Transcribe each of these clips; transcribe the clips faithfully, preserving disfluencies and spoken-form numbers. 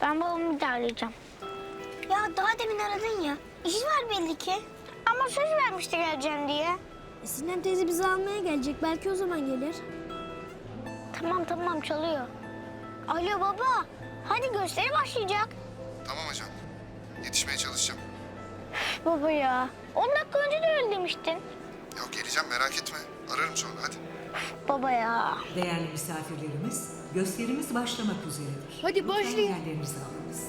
Ben babamı da arayacağım. Ya daha demin aradın ya. İş var belli ki. Ama söz vermişti geleceğim diye. E, Sinem teyze bizi almaya gelecek. Belki o zaman gelir. Tamam tamam çalıyor. Alo baba. Hadi gösteri başlayacak. Tamam ajan. Yetişmeye çalışacağım. Baba ya. on dakika önce de öyle demiştin. Ya geleceğim merak etme. Ararım sonra hadi. Baba ya. Değerli misafirlerimiz, gösterimiz başlamak üzeredir. Hadi başlayın. Lütfen yerlerinizi alınız.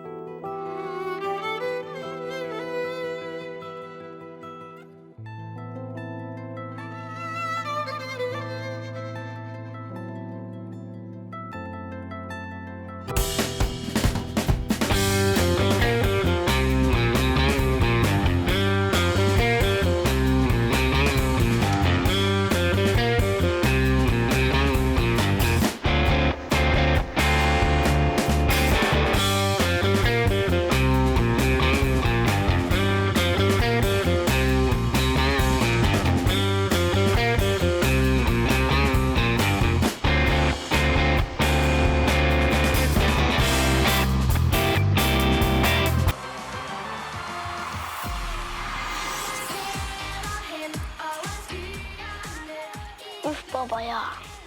Uf baba ya.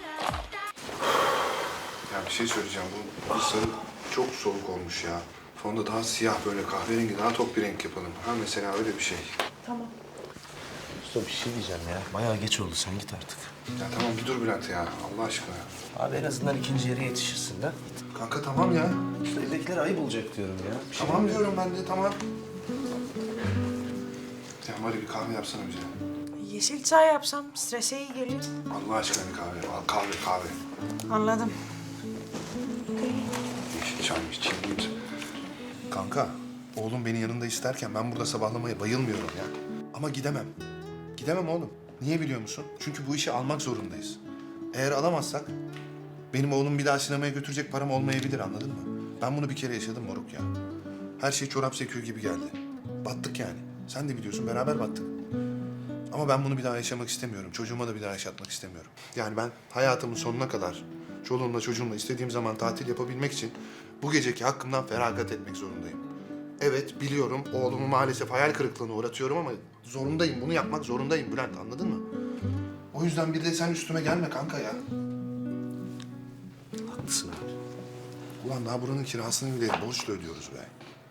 Ya bir şey söyleyeceğim. Bu sarı çok soğuk olmuş ya. Fonda daha siyah böyle kahverengi daha tok bir renk yapalım. Ha mesela öyle bir şey. Usta bir şey diyeceğim ya. Bayağı geç oldu. Sen git artık. Ya tamam bir dur Bülent ya. Allah aşkına ya. Abi en azından ikinci yere yetişirsin de. Kanka tamam ya. Usta evdekiler ayıp olacak diyorum ya. Bir şey Tamam bilmiyorum. diyorum ben de tamam. Ya bari bir kahve yapsana bize. Yeşil çay yapsam strese iyi gelir. Allah aşkına bir kahve. Al kahve kahve. Anladım. Yeşil çaymış çilgimiz. Kanka oğlum beni yanında isterken ben burada sabahlamaya bayılmıyorum ya. Ama gidemem. Gidemem oğlum. Niye biliyor musun? Çünkü bu işi almak zorundayız. Eğer alamazsak benim oğlum bir daha sinemaya götürecek param olmayabilir anladın mı? Ben bunu bir kere yaşadım moruk ya. Her şey çorap söküğü gibi geldi. Battık yani. Sen de biliyorsun beraber battık. Ama ben bunu bir daha yaşamak istemiyorum. Çocuğuma da bir daha yaşatmak istemiyorum. Yani ben hayatımın sonuna kadar çoluğumla çocuğumla istediğim zaman tatil yapabilmek için bu geceki hakkımdan feragat etmek zorundayım. Evet biliyorum oğlumu maalesef hayal kırıklığına uğratıyorum ama zorundayım. Bunu yapmak zorundayım Bülent anladın mı? O yüzden bir de sen üstüme gelme kanka ya. Haklısın abi. Ulan daha buranın kirasını bile borçla ödüyoruz be.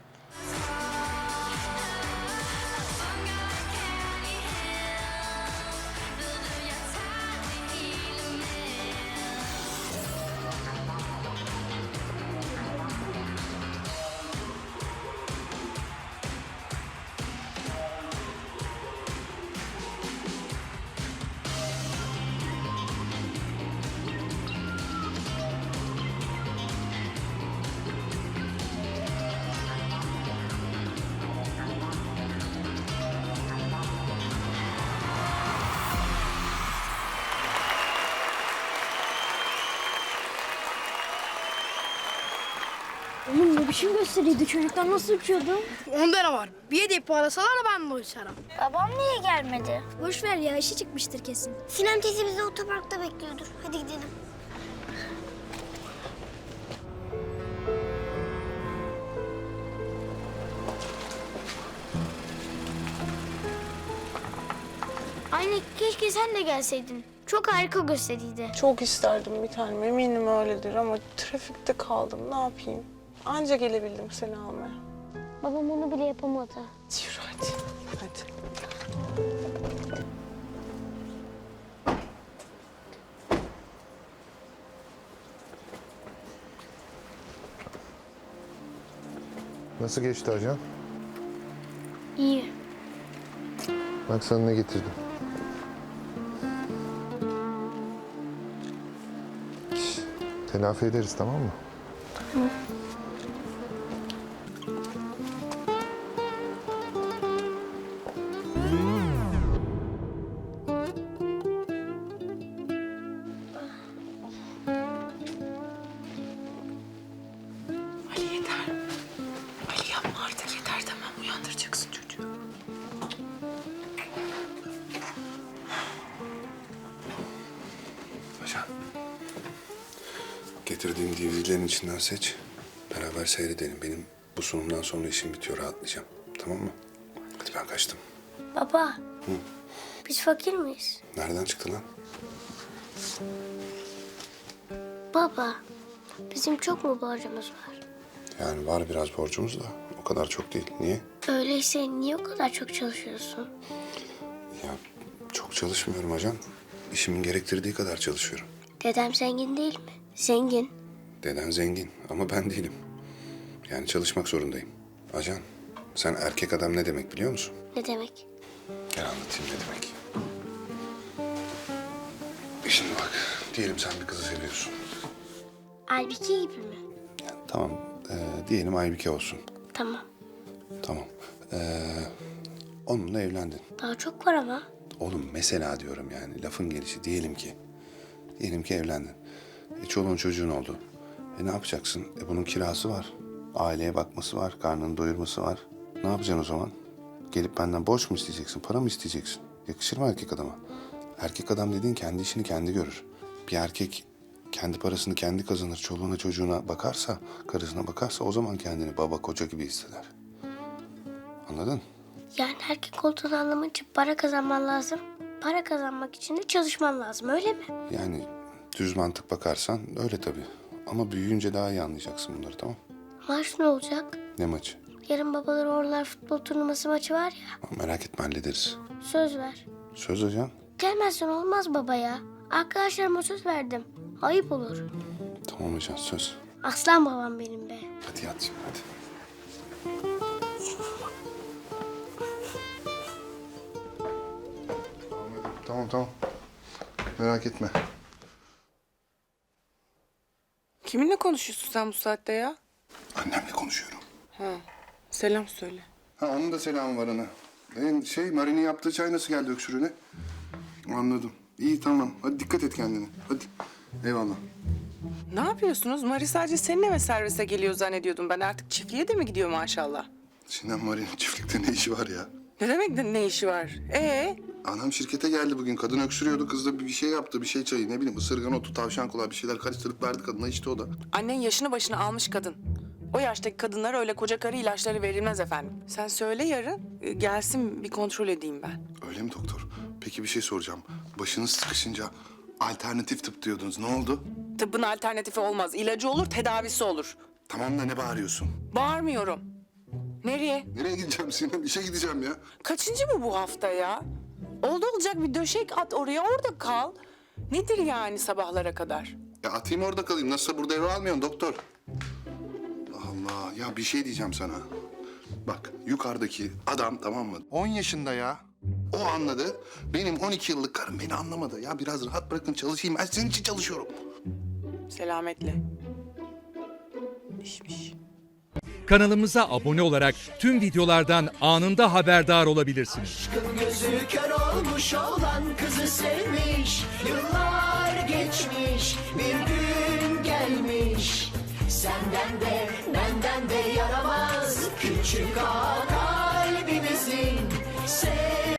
Oğlum ne biçim gösteriydi? Çocuklar nasıl uçuyordu? Onda ne var? Bir hediye parlasalar da ben de uçarım. Babam niye gelmedi? Boş ver ya, işi çıkmıştır kesin. Sinem teyze bizi otoparkta bekliyordur. Hadi gidelim. Anne keşke sen de gelseydin. Çok harika gösteriydi. Çok isterdim bir tanem. Eminim öyledir ama trafikte kaldım. Ne yapayım? Anca gelebildim seni almaya. Babam onu bile yapamadı. Yürü hadi. Hadi. Nasıl geçti ajan? İyi. Bak sana ne getirdim. Şş, telafi ederiz tamam mı? Tamam. Ali yeter. Ali yapma artık yeter tamam. Uyandıracaksın çocuğu. Ajan. Getirdiğim D V D'lerin içinden seç. Beraber seyredelim. Benim bu sunumdan sonra işim bitiyor, rahatlayacağım. Tamam mı? Hadi ben kaçtım. Baba. Biz fakir miyiz? Nereden çıktı lan? Baba. Bizim çok mu borcumuz var? Yani var biraz borcumuz da o kadar çok değil. Niye? Öyleyse niye o kadar çok çalışıyorsun? Ya çok çalışmıyorum ajan. İşimin gerektirdiği kadar çalışıyorum. Dedem zengin değil mi? Zengin. Deden zengin ama ben değilim. Yani çalışmak zorundayım. Ajan, sen erkek adam ne demek biliyor musun? Ne demek? Gel anlatayım ne demek. E Şimdi bak, diyelim sen bir kızı seviyorsun. Halbuki gibi mi? Yani tamam, e, diyelim Aybike olsun. Tamam. Tamam. E, onunla evlendin. Daha çok var ama. Oğlum mesela diyorum yani, lafın gelişi. Diyelim ki, diyelim ki evlendin. E çoluğun çocuğun oldu. E ne yapacaksın? E bunun kirası var. Aileye bakması var, karnını doyurması var. Ne yapacaksın o zaman? Gelip benden borç mu isteyeceksin, para mı isteyeceksin? Yakışır mı erkek adama? Erkek adam dediğin kendi işini kendi görür. Bir erkek kendi parasını kendi kazanır, çoluğuna çocuğuna bakarsa, karısına bakarsa o zaman kendini baba koca gibi hisseder. Anladın? Yani erkek olduğunu anlamak için para kazanman lazım. Para kazanmak için de çalışman lazım, öyle mi? Yani düz mantık bakarsan öyle tabii. Ama büyüyünce daha iyi anlayacaksın bunları, tamam? Maç ne olacak? Ne maçı? Yarın babalar oğullar futbol turnuvası maçı var ya. Merak etme, hallederiz. Söz ver. Söz hocam. Gelmezsen olmaz baba ya. Arkadaşlarıma söz verdim. Ayıp olur. Tamam hocam, söz. Aslan babam benim be. Hadi yat şimdi, hadi. Tamam tamam. Merak etme. Kiminle konuşuyorsun sen bu saatte ya? Annemle konuşuyorum. Ha, selam söyle. Ha onun da selamı var ana. Benim şey Mari'nin yaptığı çay nasıl geldi öksürüğüne? Anladım. İyi tamam. Hadi dikkat et kendine. Hadi. Eyvallah. Ne yapıyorsunuz? Mari sadece seninle ve servise geliyor zannediyordum. Ben artık çiftliğe de mi gidiyor maşallah? Sinan Mari'nin çiftlikte ne işi var ya? Ne demek de ne işi var? Ee, Anam şirkete geldi bugün. Kadın öksürüyordu. Kız da bir şey yaptı. Bir şey çayı. Ne bileyim ısırgan otu, tavşan kulağı bir şeyler karıştırıp verdi kadına. İçti o da. annen yaşını başına almış kadın. O yaştaki kadınlara öyle koca karı ilaçları verilmez efendim. Sen söyle yarın e, gelsin bir kontrol edeyim ben. Öyle mi doktor? Peki bir şey soracağım. Başınız sıkışınca alternatif tıp diyordunuz. Ne oldu? Tıbbın alternatifi olmaz. İlacı olur, tedavisi olur. Tamam da ne bağırıyorsun? Bağırmıyorum. Nereye? Nereye gideceğim Sinan? İşe gideceğim ya. Kaçıncı mı bu hafta ya? Oldu olacak bir döşek at oraya, orada kal. Nedir yani sabahlara kadar? Ya atayım orada kalayım. Nasılsa burada eve almıyorsun doktor. Allah ya bir şey diyeceğim sana. Bak yukarıdaki adam tamam mı? on yaşında ya. O anladı. Benim on iki yıllık karım beni anlamadı. Ya biraz rahat bırakın çalışayım. Ben senin için çalışıyorum. Selametle. İşmiş. Kanalımıza abone olarak tüm videolardan anında haberdar olabilirsiniz. Gözü kör olmuş olan kızı sevmiş. Yıllar geçmiş, bir gün gelmiş. Senden de benden de yaramaz küçük ağa kalbimizin. Sev